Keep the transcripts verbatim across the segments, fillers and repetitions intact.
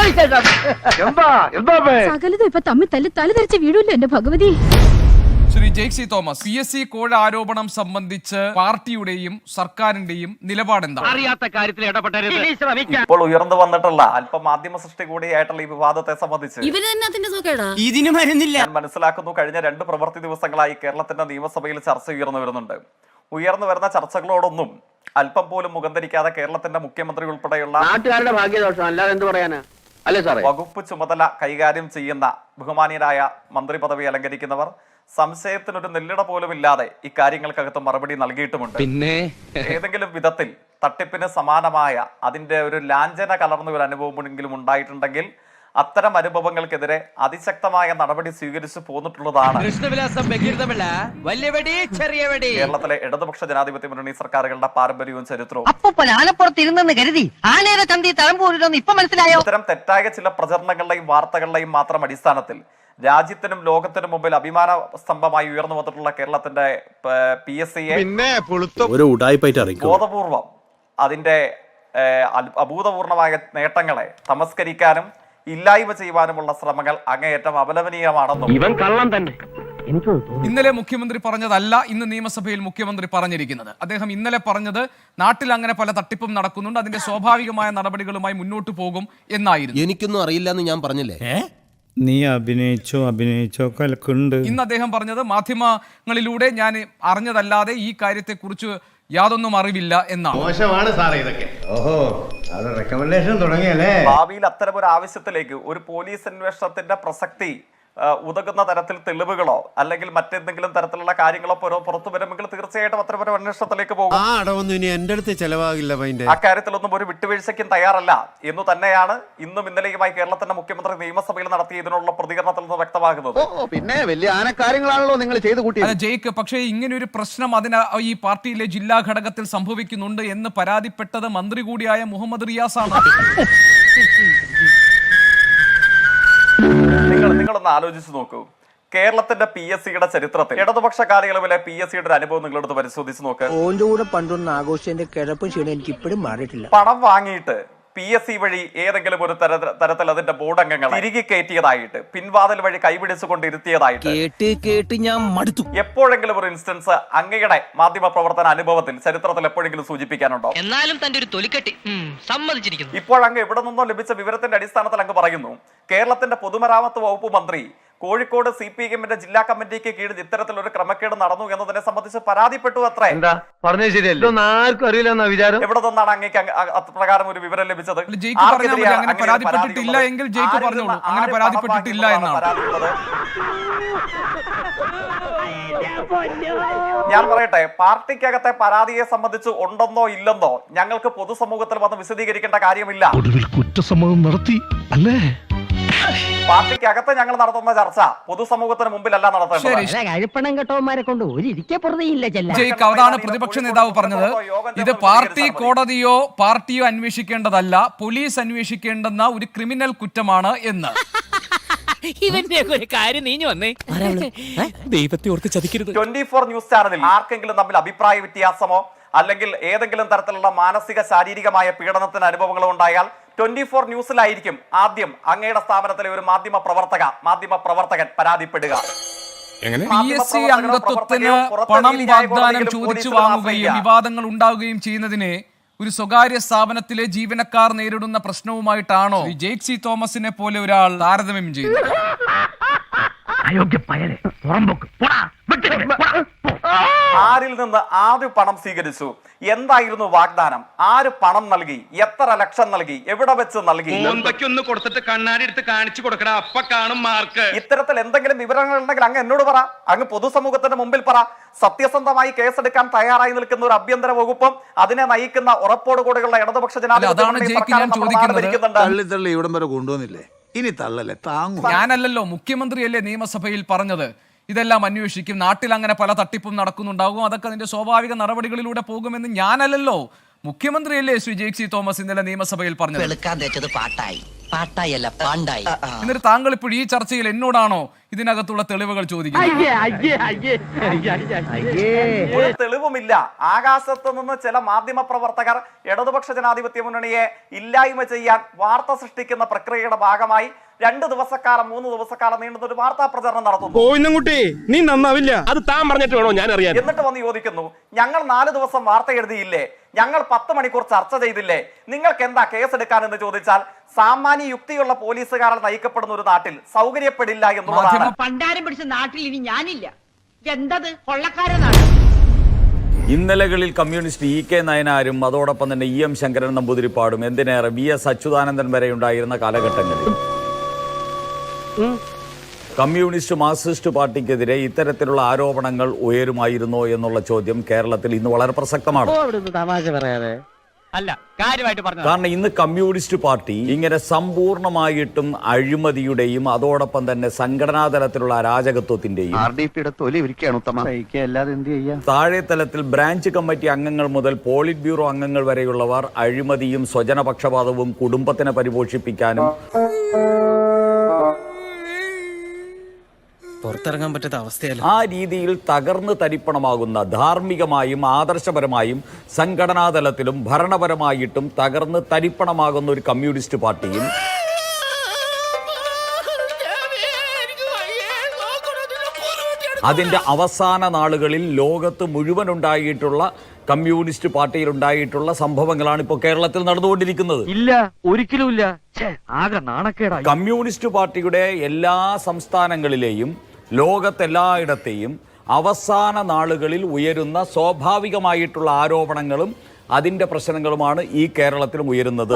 സകലതും ഇപ്പൊ തമ്മിൽ തല്ലി തല ധരിച്ച വീടില്ലോ എന്റെ Bhagavathi. Shri Jaisy Thomas, P S C കോഴ ആരോപണം സംബന്ധിച്ച് പാർട്ടിയുടെയും സർക്കാരിന്റെയും നിലപാടെന്താണ്? അറിയാത്ത കാര്യത്തിൽ ഇടപെട്ടരുത്. ഇപ്പോൾ ഉയർന്നു വന്നിട്ടുള്ള അല്പം മാധ്യമ സൃഷ്ടി കൂടിയായിട്ടുള്ള ഈ വിവാദത്തെ സംബന്ധിച്ച് ഇതിന് മരുന്നില്ല. ഞാൻ മനസ്സിലാക്കുന്നു, കഴിഞ്ഞ രണ്ട് പ്രവൃത്തി ദിവസങ്ങളായി കേരളത്തിന്റെ നിയമസഭയിൽ ചർച്ച ഉയർന്നു വരുന്നുണ്ട്. ഉയർന്നു വരുന്ന ചർച്ചകളോടൊന്നും അല്പം പോലും മുഖം ധരിക്കാതെ കേരളത്തിന്റെ മുഖ്യമന്ത്രി ഉൾപ്പെടെയുള്ള നാട്ടുകാരുടെ ഭാഗ്യദോഷം അല്ലാതെ എന്ത് പറയാനാ? അല്ലേ സാറേ? വകുപ്പ് ചുമതല കൈകാര്യം ചെയ്യുന്ന ബഹുമാനീയരായ മന്ത്രി പദവി അലങ്കരിക്കുന്നവർ സംശയത്തിനൊരു നെല്ലിട പോലും ഇല്ലാതെ ഇക്കാര്യങ്ങൾക്കകത്ത് മറുപടി നൽകിയിട്ടുമുണ്ട്. പിന്നെ ഏതെങ്കിലും വിധത്തിൽ തട്ടിപ്പിന് സമാനമായ അതിന്റെ ഒരു ലാഞ്ചന കലർന്ന ഒരു അനുഭവമെങ്കിലും ഉണ്ടായിട്ടുണ്ടെങ്കിൽ അത്തരം അനുഭവങ്ങൾക്കെതിരെ അതിശക്തമായ നടപടി സ്വീകരിച്ചു പോന്നിട്ടുള്ളതാണ് കേരളത്തിലെ ഇടതുപക്ഷ ജനാധിപത്യ മുന്നണി സർക്കാരുകളുടെ പാരമ്പര്യവും ചരിത്രവും. ആനപ്പുറത്തിരുന്നെന്ന് കരുതി ആനയുടെ ചന്തി തഴമ്പൂരിലൊന്നും ഇപ്പൊ മനസ്സിലായോ? ഇത്തരം തെറ്റായ ചില പ്രചരണങ്ങളുടെയും വാർത്തകളുടെയും മാത്രം അടിസ്ഥാനത്തിൽ രാജ്യത്തിനും ലോകത്തിനും മുമ്പിൽ അഭിമാന സ്തംഭമായി ഉയർന്നു വന്നിട്ടുള്ള കേരളത്തിന്റെ പി എസ് സിയെ ബോധപൂർവം അതിന്റെ അഭൂതപൂർണമായ നേട്ടങ്ങളെ തമസ്കരിക്കാനും ഇല്ലായ്മ ചെയ്യുവാനുമുള്ള ശ്രമങ്ങൾ അങ്ങേയറ്റം അപലപനീയമാണെന്നും ഇവൻ കള്ളം തന്നെ. ഇന്നലെ മുഖ്യമന്ത്രി പറഞ്ഞതല്ല ഇന്ന് നിയമസഭയിൽ മുഖ്യമന്ത്രി പറഞ്ഞിരിക്കുന്നത്. അദ്ദേഹം ഇന്നലെ പറഞ്ഞത് നാട്ടിൽ അങ്ങനെ പല തട്ടിപ്പും നടക്കുന്നുണ്ട്, അതിന്റെ സ്വാഭാവികമായ നടപടികളുമായി മുന്നോട്ട് പോകും എന്നായിരുന്നു. എനിക്കൊന്നും അറിയില്ല എന്ന് ഞാൻ പറഞ്ഞില്ലേ? നീ അഭിനയിച്ചോ അഭിനയിച്ചോ കലക്കുണ്ട്. ഇന്ന് അദ്ദേഹം പറഞ്ഞത് മാധ്യമങ്ങളിലൂടെ ഞാൻ അറിഞ്ഞതല്ലാതെ ഈ കാര്യത്തെക്കുറിച്ച് യാതൊന്നും അറിവില്ല എന്നാണ്. മോശമാണ് സാറേ ഇതൊക്കെ. ഓഹോ, അത് റെക്കമെൻഡേഷൻ തുടങ്ങിയല്ലേ? ഭാവിയിൽ അത്തരം ഒരു ആവശ്യത്തിലേക്ക് ഒരു പോലീസ് അന്വേഷണത്തിന്റെ പ്രസക്തി ഉതകുന്ന തരത്തിൽ തെളിവുകളോ അല്ലെങ്കിൽ മറ്റെന്തെങ്കിലും തരത്തിലുള്ള കാര്യങ്ങളോ പുറത്തു വരുമെങ്കിൽ തീർച്ചയായിട്ടും അത്തരം അന്വേഷണത്തിലേക്ക് പോകും. ആ അടവൊന്നും ഇനി എന്റെ അടുത്ത് ചെലവാകില്ല. അക്കാര്യത്തിലൊന്നും ഒരു വിട്ടുവീഴ്ചയ്ക്കും തയ്യാറല്ല എന്ന് തന്നെയാണ് ഇന്നും ഇന്നലെയുമായി കേരളത്തിന്റെ മുഖ്യമന്ത്രി നിയമസഭയിൽ നടത്തിയ ഇതിനുള്ള പ്രതികരണത്തിൽ നിന്ന് വ്യക്തമാകുന്നത്. പിന്നെ വലിയ ആനക്കാര്യങ്ങളാണല്ലോ നിങ്ങൾ ചെയ്തു കൂട്ടിയത്. ജയിക്ക് പക്ഷേ ഇങ്ങനെ ഒരു പ്രശ്നം അതിന് ഈ പാർട്ടിയിലെ ജില്ലാ ഘടകത്തിൽ സംഭവിക്കുന്നുണ്ട് എന്ന് പരാതിപ്പെട്ടത് മന്ത്രി കൂടിയായ മുഹമ്മദ് റിയാസ് ആണ്. നിങ്ങൾ നിങ്ങളൊന്ന് ആലോചിച്ച് നോക്കൂ, കേരളത്തിന്റെ പി എസ് സിയുടെ ചരിത്രത്തിൽ ഇടതുപക്ഷ കാലയളവിലെ പി എസ് സിയുടെ അനുഭവം നിങ്ങളെടുത്ത് പരിശോധിച്ച് നോക്ക്. ഓന്റെ കൂടെ പണ്ടൊന്നും ആഘോഷിന്റെ കിഴപ്പും ക്ഷീണം എനിക്ക് ഇപ്പോഴും മാറിയിട്ടില്ല. പണം വാങ്ങിയിട്ട് പി എസ് സി വഴി ഏതെങ്കിലും ഒരു തരത്തിൽ അതിന്റെ ബോർഡ് അംഗങ്ങൾ തിരികെ കയറ്റിയതായിട്ട് പിൻവാതിൽ വഴി കൈപിടിച്ചുകൊണ്ട് ഇരുത്തിയതായിട്ട് കേട്ട് കേട്ട് ഞാൻ മടുത്തു. എപ്പോഴെങ്കിലും ഒരു ഇൻസ്റ്റൻസ് അങ്ങയുടെ മാധ്യമ പ്രവർത്തന അനുഭവത്തിൽ ചരിത്രത്തിൽ എപ്പോഴെങ്കിലും സൂചിപ്പിക്കാനുണ്ടോ? എന്നാലും തന്റെ ഒരു തൊലിക്കെട്ടി സമ്മതിച്ചിരിക്കുന്നു. ഇപ്പോഴങ്ങ് എവിടെ നിന്നോ ലഭിച്ച വിവരത്തിന്റെ അടിസ്ഥാനത്തിൽ അങ്ങ് പറയുന്നു കേരളത്തിന്റെ പൊതുമരാമത്ത് വകുപ്പ് മന്ത്രി കോഴിക്കോട് സി പി എമ്മിന്റെ ജില്ലാ കമ്മിറ്റിക്ക് കീഴിൽ ഇത്തരത്തിലൊരു ക്രമക്കേട് നടന്നു എന്നതിനെ സംബന്ധിച്ച് പരാതിപ്പെട്ടു. അത്ര എന്താ പറഞ്ഞത് ശരിയല്ലോ? ആർക്കും അറിയില്ല വിചാരം. എവിടെ നിന്നാണ് അങ്ങേക്ക് അപ്രകാരം ഒരു വിവരം ലഭിച്ചത്? അങ്ങനെ പരാതിപ്പെട്ടിട്ടില്ല എങ്കിൽ ജയിക്ക് പറഞ്ഞോളൂ, അങ്ങനെ പരാതിപ്പെട്ടിട്ടില്ല എന്നാണ്. ഞാൻ പറയട്ടെ, പാർട്ടിക്കകത്തെ പരാതിയെ സംബന്ധിച്ച് ഉണ്ടെന്നോ ഇല്ലെന്നോ ഞങ്ങൾക്ക് പൊതുസമൂഹത്തിൽ വന്ന് വിശദീകരിക്കേണ്ട കാര്യമില്ല. കുറ്റസമ്മതം നടത്തി അല്ലേ? പാർട്ടിക്കകത്ത് ഞങ്ങൾ നടത്തുന്ന ചർച്ച പൊതുസമൂഹത്തിന് മുമ്പിലല്ല നടത്തേണ്ടത്. കഴിപ്പണം കെട്ടവന്മാരെ കൊണ്ട് ഒരു ഇരിക്കെ പുറത്തേയില്ല. ജയിക്ക്, അതാണ് പ്രതിപക്ഷ നേതാവ് പറഞ്ഞത്. ഇത് പാർട്ടി കോടതിയോ പാർട്ടിയോ അന്വേഷിക്കേണ്ടതല്ല, പോലീസ് അന്വേഷിക്കേണ്ടെന്ന ഒരു ക്രിമിനൽ കുറ്റമാണ് എന്ന്. ഇവന്റെ ഒരു കാര്യം നീഞ്ഞു വന്നേ. ദൈവത്തെ ഓർത്ത് ചതിക്കരുത്. ട്വന്റി ഫോർ ന്യൂസ് ചാനലിൽ ആർക്കെങ്കിലും തമ്മിൽ അഭിപ്രായ വ്യത്യാസമോ അല്ലെങ്കിൽ ഏതെങ്കിലും തരത്തിലുള്ള മാനസിക ശാരീരികമായ പീഡനത്തിന് അനുഭവങ്ങളോ ഉണ്ടായാൽ ട്വന്റി ഫോർ ന്യൂസിലായിരിക്കും ആദ്യം അങ്ങയുടെ സ്ഥാപനത്തിലെ ഒരു മാധ്യമ പ്രവർത്തക മാധ്യമ പ്രവർത്തകൻ പരാതിപ്പെടുക. പി എസ് സി അംഗത്വത്തിന് പണം വാഗ്ദാനം ചോദിച്ചു വാങ്ങുകയും വിവാദങ്ങൾ ഉണ്ടാവുകയും ചെയ്യുന്നതിനെ ഒരു സ്വകാര്യ സ്ഥാപനത്തിലെ ജീവനക്കാർ നേരിടുന്ന പ്രശ്നവുമായിട്ടാണോ ജെയ്സി തോമസിനെ പോലെ ഒരാൾ താരതമ്യം ചെയ്യുന്നത്? ആരിൽ നിന്ന് ആര് പണം സ്വീകരിച്ചു? എന്തായിരുന്നു വാഗ്ദാനം? ആര് പണം നൽകി? എത്ര ലക്ഷം നൽകി? എവിടെ വെച്ച് നൽകി? കൊടുത്തിട്ട് കണ്ണാടി എടുത്ത് കാണിച്ചു കൊടുക്കണ അപ്പ കാണും മാർക്ക്. ഇത്തരത്തിൽ എന്തെങ്കിലും വിവരങ്ങൾ ഉണ്ടെങ്കിൽ അങ്ങ് എന്നോട് പറ, അങ്ങ് പൊതുസമൂഹത്തിന്റെ മുമ്പിൽ പറ. സത്യസന്ധമായി കേസെടുക്കാൻ തയ്യാറായി നിൽക്കുന്ന ഒരു ആഭ്യന്തര വകുപ്പും അതിനെ നയിക്കുന്ന ഉറപ്പോടുകൂടിയുള്ള ഇടതുപക്ഷ കൊണ്ടുവന്നില്ലേ? ഇനി തള്ളല്ലേ താങ്ങും. ഞാനല്ലല്ലോ, മുഖ്യമന്ത്രിയല്ലേ നിയമസഭയിൽ പറഞ്ഞത് ഇതെല്ലാം അന്വേഷിക്കും, നാട്ടിൽ അങ്ങനെ പല തട്ടിപ്പും നടക്കുന്നുണ്ടാകും, അതൊക്കെ അതിന്റെ സ്വാഭാവിക നടപടികളിലൂടെ പോകുമെന്ന് ഞാനല്ലല്ലോ, മുഖ്യമന്ത്രിയല്ലേ ശ്രീ ജെയ്സി തോമസ് ഇന്നലെ നിയമസഭയിൽ പറഞ്ഞത്. പാട്ടായി പാട്ടായി അല്ല പാണ്ടായി. എന്നിട്ട് താങ്കൾ ഇപ്പോൾ ഈ ചർച്ചയിൽ എന്നോടാണോ ഇതിനകത്തുള്ള തെളിവുകൾ ചോദിക്കുന്നത്? ഒരു തെളിവുമില്ല. ആകാശത്ത് നിന്ന് ചില മാധ്യമ പ്രവർത്തകർ ഇടതുപക്ഷ ജനാധിപത്യ മുന്നണിയെ ഇല്ലായ്മ ചെയ്യാൻ വാർത്ത സൃഷ്ടിക്കുന്ന പ്രക്രിയയുടെ ഭാഗമായി രണ്ട് ദിവസക്കാലം മൂന്ന് ദിവസക്കാലം നീണ്ടുന്ന ഒരു വാർത്താ പ്രചരണം നടത്തുന്നു. നീ നന്നാവില്ല. അത് താൻ പറഞ്ഞിട്ട് വേണോ ഞാൻ അറിയാൻ. എന്നിട്ട് വന്ന് ചോദിക്കുന്നു, ഞങ്ങൾ നാല് ദിവസം വാർത്ത എഴുതിയില്ലേ, ഞങ്ങൾ പത്ത് മണിക്കൂർ ചർച്ച ചെയ്തില്ലേ, നിങ്ങൾക്ക് എന്താ കേസെടുക്കാൻ എന്ന് ചോദിച്ചാൽ സാമാന്യ യുക്തിയുള്ള പോലീസുകാരാൽ നയിക്കപ്പെടുന്ന ഒരു നാട്ടിൽ സൗകര്യപ്പെടില്ല എന്നുള്ളതാണ്. പണ്ടാരം പിടിച്ച നാട്ടിൽ ഇനി ഞാനില്ല. എന്തത് കൊള്ളക്കാരനാണ്. ഇന്നലകളിൽ കമ്മ്യൂണിസ്റ്റ് ഇ കെ നയനാരും അതോടൊപ്പം തന്നെ ഇ എം ശങ്കരൻ നമ്പൂതിരിപ്പാടും എന്തിനേറെ വി എസ് അച്യുതാനന്ദൻ വരെ ഉണ്ടായിരുന്ന കാലഘട്ടങ്ങളിൽ കമ്മ്യൂണിസ്റ്റ് മാർക്സിസ്റ്റ് പാർട്ടിക്കെതിരെ ഇത്തരത്തിലുള്ള ആരോപണങ്ങൾ ഉയരുമായിരുന്നോ എന്നുള്ള ചോദ്യം കേരളത്തിൽ ഇന്ന് വളരെ പ്രസക്തമാണ്. അല്ല, കാര്യമായിട്ട് പറഞ്ഞു. കാരണം ഇന്ന് കമ്മ്യൂണിസ്റ്റ് പാർട്ടി ഇങ്ങനെ സമ്പൂർണമായിട്ടും അഴിമതിയുടെയും അതോടൊപ്പം തന്നെ സംഘടനാ തലത്തിലുള്ള അരാജകത്വത്തിന്റെയും താഴെ തലത്തിൽ ബ്രാഞ്ച് കമ്മിറ്റി അംഗങ്ങൾ മുതൽ പോളിറ്റ് ബ്യൂറോ അംഗങ്ങൾ വരെയുള്ളവർ അഴിമതിയും സ്വജനപക്ഷപാതവും കുടുംബത്തിനെ പരിപോഷിപ്പിക്കാനും പുറത്തിറങ്ങാൻ പറ്റാത്ത അവസ്ഥയല്ല. ആ രീതിയിൽ തകർന്ന് തരിപ്പണമാകുന്ന ധാർമ്മികമായും ആദർശപരമായും സംഘടനാതലത്തിലും ഭരണപരമായിട്ടും തകർന്ന് തരിപ്പണമാകുന്ന ഒരു കമ്മ്യൂണിസ്റ്റ് പാർട്ടിയും അതിന്റെ അവസാന നാളുകളിൽ ലോകത്ത് മുഴുവൻ ഉണ്ടായിട്ടുള്ള കമ്മ്യൂണിസ്റ്റ് പാർട്ടിയിൽ ഉണ്ടായിട്ടുള്ള സംഭവങ്ങളാണ് ഇപ്പോൾ കേരളത്തിൽ നടന്നുകൊണ്ടിരിക്കുന്നത്. ഇല്ല, ഒരിക്കലും ഇല്ല. ആകെ നാണക്കേടാ. കമ്മ്യൂണിസ്റ്റ് പാർട്ടിയുടെ എല്ലാ സംസ്ഥാനങ്ങളിലെയും ലോകത്തെല്ലായിടത്തെയും അവസാന നാളുകളിൽ ഉയരുന്ന സ്വാഭാവികമായിട്ടുള്ള ആരോപണങ്ങളും അതിന്റെ പ്രശ്നങ്ങളുമാണ് ഈ കേരളത്തിലും ഉയരുന്നത്.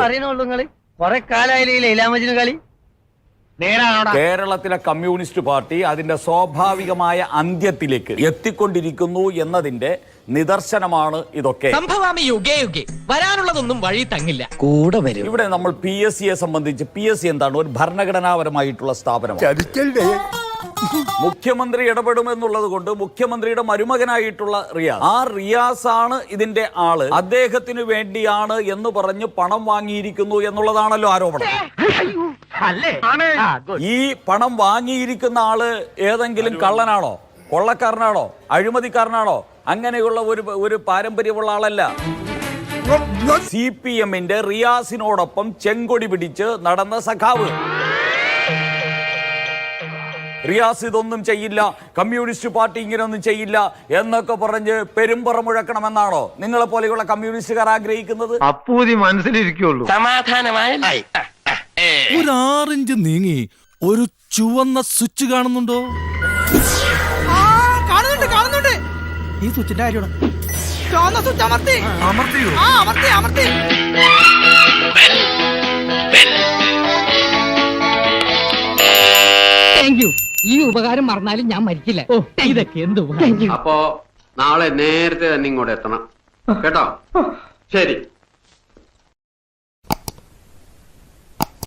കേരളത്തിലെ കമ്മ്യൂണിസ്റ്റ് പാർട്ടി അതിന്റെ സ്വാഭാവികമായ അന്ത്യത്തിലേക്ക് എത്തിക്കൊണ്ടിരിക്കുന്നു എന്നതിന്റെ നിദർശനമാണ് ഇതൊക്കെ. വരാനുള്ളതൊന്നും വഴി തങ്ങില്ല, കൂടെ വരും. ഇവിടെ നമ്മൾ പി എസ് സിയെ സംബന്ധിച്ച് പി എസ് സി എന്താണ്? ഒരു ഭരണഘടനാപരമായിട്ടുള്ള സ്ഥാപനമാണ്. മുഖ്യമന്ത്രി ഇടപെടുമെന്നുള്ളത് കൊണ്ട് മുഖ്യമന്ത്രിയുടെ മരുമകനായിട്ടുള്ള റിയാസ്, ആ റിയാസ് ആണ് ഇതിന്റെ ആള്. അദ്ദേഹത്തിന് വേണ്ടിയാണ് എന്ന് പറഞ്ഞ് പണം വാങ്ങിയിരിക്കുന്നു എന്നുള്ളതാണല്ലോ ആരോപണം. ഈ പണം വാങ്ങിയിരിക്കുന്ന ആള് ഏതെങ്കിലും കള്ളനാണോ, കൊള്ളക്കാരനാണോ, അഴിമതിക്കാരനാണോ? അങ്ങനെയുള്ള ഒരു ഒരു പാരമ്പര്യമുള്ള ആളല്ല. സി പി എമ്മിന്റെ റിയാസിനോടൊപ്പം ചെങ്കൊടി പിടിച്ച് നടന്ന സഖാവ് റിയാസ് ഇതൊന്നും ചെയ്യില്ല, കമ്മ്യൂണിസ്റ്റ് പാർട്ടി ഇങ്ങനെയൊന്നും ചെയ്യില്ല എന്നൊക്കെ പറഞ്ഞ് പെരുമ്പറ മുഴക്കണമെന്നാണോ നിങ്ങളെ പോലെയുള്ള കമ്മ്യൂണിസ്റ്റുകാർ ആഗ്രഹിക്കുന്നത്? അപ്പൂതി മനസ്സിലിരിക്കുള്ളൂ. സമാധാനമായി. ഒരു ആറിഞ്ച് നീങ്ങി ഒരു ചുവന്ന സ്വിച്ച് കാണുന്നുണ്ടോ? കാണുന്നുണ്ട് കാണുന്നുണ്ട്. ഈ സ്വിച്ചിന്റെ കാര്യമാണ്. ചുവന്ന സ്വിച്ച് അമർത്തി. അമർത്തിയോ? ആ അമർത്തി അമർത്തി. Thank you. ഈ ഉപകാരം മറന്നാലും ഞാൻ മരിക്കില്ല. ഇതൊക്കെ എന്ത് അപ്പോ നാളെ നേരത്തെ തന്നെ ഇങ്ങോട്ട് എത്തണം കേട്ടോ. ശരി.